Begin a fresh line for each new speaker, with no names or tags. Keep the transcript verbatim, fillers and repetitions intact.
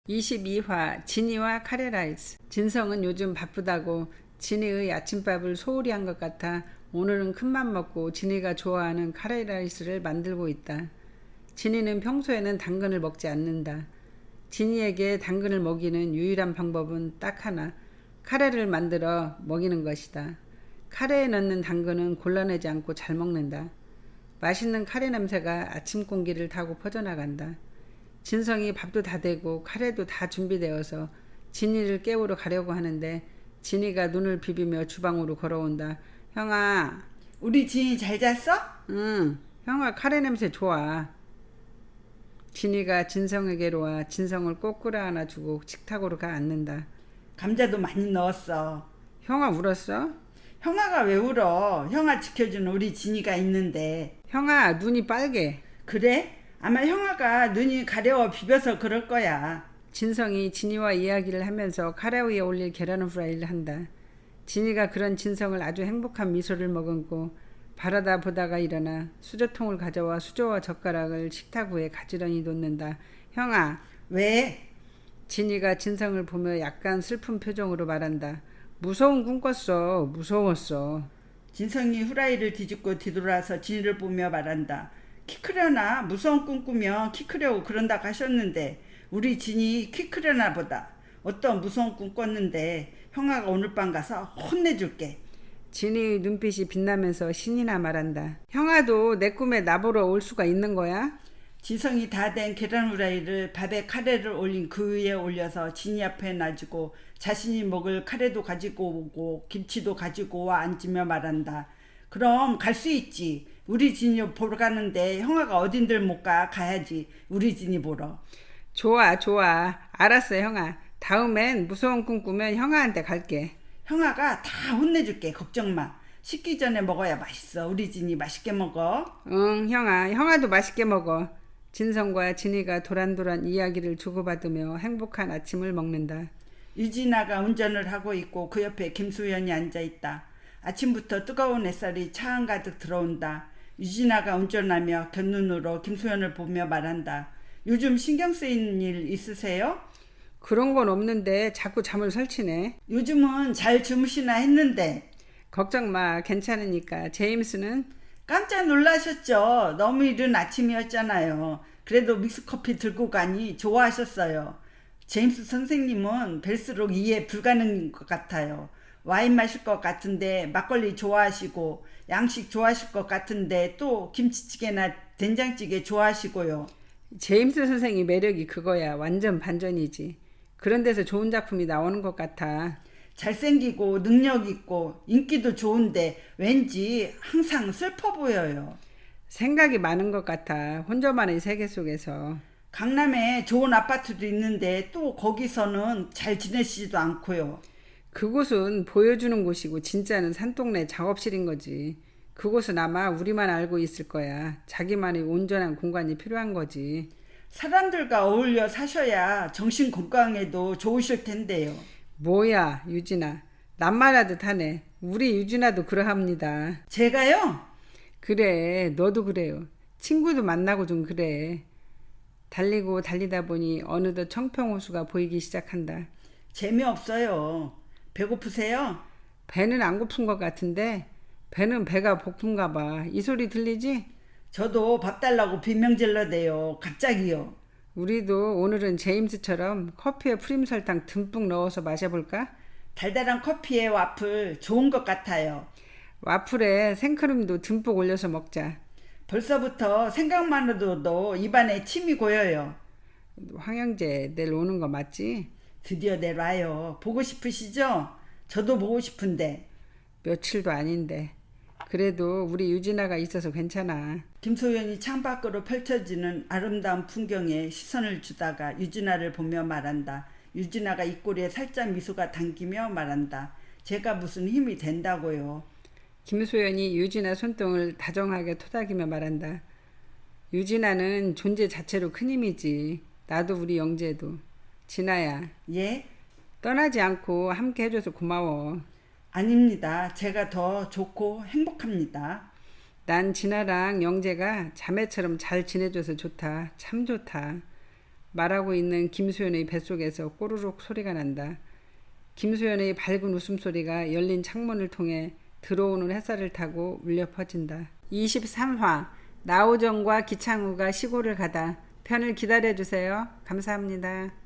이십이 화 진이와 카레라이스. 진성은 요즘 바쁘다고 진이의 아침밥을 소홀히 한 것 같아 오늘은 큰맘 먹고 진이가 좋아하는 카레라이스를 만들고 있다. 진이는 평소에는 당근을 먹지 않는다. 진이에게 당근을 먹이는 유일한 방법은 딱 하나, 카레를 만들어 먹이는 것이다. 카레에 넣는 당근은 골라내지 않고 잘 먹는다. 맛있는 카레 냄새가 아침 공기를 타고 퍼져나간다. 진성이 밥도 다 되고 카레도 다 준비되어서 진이를 깨우러 가려고 하는데 진이가 눈을 비비며 주방으로 걸어온다. 형아.
우리 진이 잘 잤어?
응. 형아 카레 냄새 좋아. 진이가 진성에게로 와 진성을 꼭 끌어안아 주고 식탁으로 가 앉는다.
감자도 많이 넣었어.
형아 울었어?
형아가 왜 울어? 형아 지켜주는 우리 진이가 있는데.
형아 눈이 빨개.
그래? 아마 형아가 눈이 가려워 비벼서 그럴 거야.
진성이 진이와 이야기를 하면서 카레 위에 올릴 계란 후라이를 한다. 진이가 그런 진성을 아주 행복한 미소를 머금고 바라다 보다가 일어나 수저통을 가져와 수저와 젓가락을 식탁 위에 가지런히 놓는다. 형아.
왜?
진이가 진성을 보며 약간 슬픈 표정으로 말한다. 무서운 꿈 꿨어. 무서웠어.
진성이 후라이를 뒤집고 뒤돌아서 진이를 보며 말한다. 키 크려나? 무서운 꿈 꾸며 키 크려고 그런다고 하셨는데 우리 진이 키 크려나 보다. 어떤 무서운 꿈 꿨는데 형아가 오늘 밤 가서 혼내줄게.
진이의 눈빛이 빛나면서 신이나 말한다. 형아도 내 꿈에 나보러 올 수가 있는 거야?
지성이 다 된 계란 후라이를 밥에 카레를 올린 그 위에 올려서 진이 앞에 놔주고 자신이 먹을 카레도 가지고 오고 김치도 가지고 와 앉으며 말한다. 그럼 갈 수 있지. 우리 진이 보러 가는데 형아가 어딘들 못 가. 가야지. 우리 진이 보러.
좋아 좋아. 알았어 형아. 다음엔 무서운 꿈 꾸면 형아한테 갈게.
형아가 다 혼내줄게. 걱정 마. 식기 전에 먹어야 맛있어. 우리 진이 맛있게 먹어.
응 형아. 형아도 맛있게 먹어. 진성과 진이가 도란도란 이야기를 주고받으며 행복한 아침을 먹는다.
유진아가 운전을 하고 있고 그 옆에 김수연이 앉아있다. 아침부터 뜨거운 햇살이 차 한가득 들어온다. 유진아가 운전하며 곁눈으로 김수연을 보며 말한다. 요즘 신경 쓰이는 일 있으세요?
그런 건 없는데 자꾸 잠을 설치네.
요즘은 잘 주무시나 했는데.
걱정 마. 괜찮으니까. 제임스는?
깜짝 놀라셨죠. 너무 이른 아침이었잖아요. 그래도 믹스커피 들고 가니 좋아하셨어요. 제임스 선생님은 뵐수록 이해 불가능인 것 같아요. 와인 마실 것 같은데 막걸리 좋아하시고 양식 좋아하실 것 같은데 또 김치찌개나 된장찌개 좋아하시고요.
제임스 선생이 매력이 그거야. 완전 반전이지. 그런 데서 좋은 작품이 나오는 것 같아.
잘생기고 능력 있고 인기도 좋은데 왠지 항상 슬퍼 보여요.
생각이 많은 것 같아. 혼자만의 세계 속에서.
강남에 좋은 아파트도 있는데 또 거기서는 잘 지내시지도 않고요.
그곳은 보여주는 곳이고 진짜는 산동네 작업실인 거지. 그곳은 아마 우리만 알고 있을 거야. 자기만의 온전한 공간이 필요한 거지.
사람들과 어울려 사셔야 정신 건강에도 좋으실 텐데요.
뭐야 유진아. 낱말하듯 하네. 우리 유진아도 그러합니다.
제가요?
그래 너도 그래요. 친구도 만나고 좀 그래. 달리고 달리다 보니 어느덧 청평호수가 보이기 시작한다.
재미없어요. 배고프세요?
배는 안 고픈 것 같은데 배는 배가 고픈가 봐. 이 소리 들리지?
저도 밥 달라고 비명질러대요. 갑자기요.
우리도 오늘은 제임스처럼 커피에 프림 설탕 듬뿍 넣어서 마셔볼까?
달달한 커피에 와플 좋은 것 같아요.
와플에 생크림도 듬뿍 올려서 먹자.
벌써부터 생각만으로도 입안에 침이 고여요.
황영재 내일 오는 거 맞지?
드디어 내일 와요. 보고 싶으시죠? 저도 보고 싶은데.
며칠도 아닌데. 그래도 우리 유진아가 있어서 괜찮아.
김소연이 창밖으로 펼쳐지는 아름다운 풍경에 시선을 주다가 유진아를 보며 말한다. 유진아가 입꼬리에 살짝 미소가 당기며 말한다. 제가 무슨 힘이 된다고요.
김소연이 유진아 손등을 다정하게 토닥이며 말한다. 유진아는 존재 자체로 큰 힘이지. 나도 우리 영재도. 진아야.
예?
떠나지 않고 함께 해줘서 고마워.
아닙니다. 제가 더 좋고 행복합니다.
난 진아랑 영재가 자매처럼 잘 지내줘서 좋다. 참 좋다. 말하고 있는 김수현의 뱃속에서 꼬르륵 소리가 난다. 김수현의 밝은 웃음소리가 열린 창문을 통해 들어오는 햇살을 타고 울려 퍼진다. 이십삼 화 나우정과 기창우가 시골을 가다. 편을 기다려주세요. 감사합니다.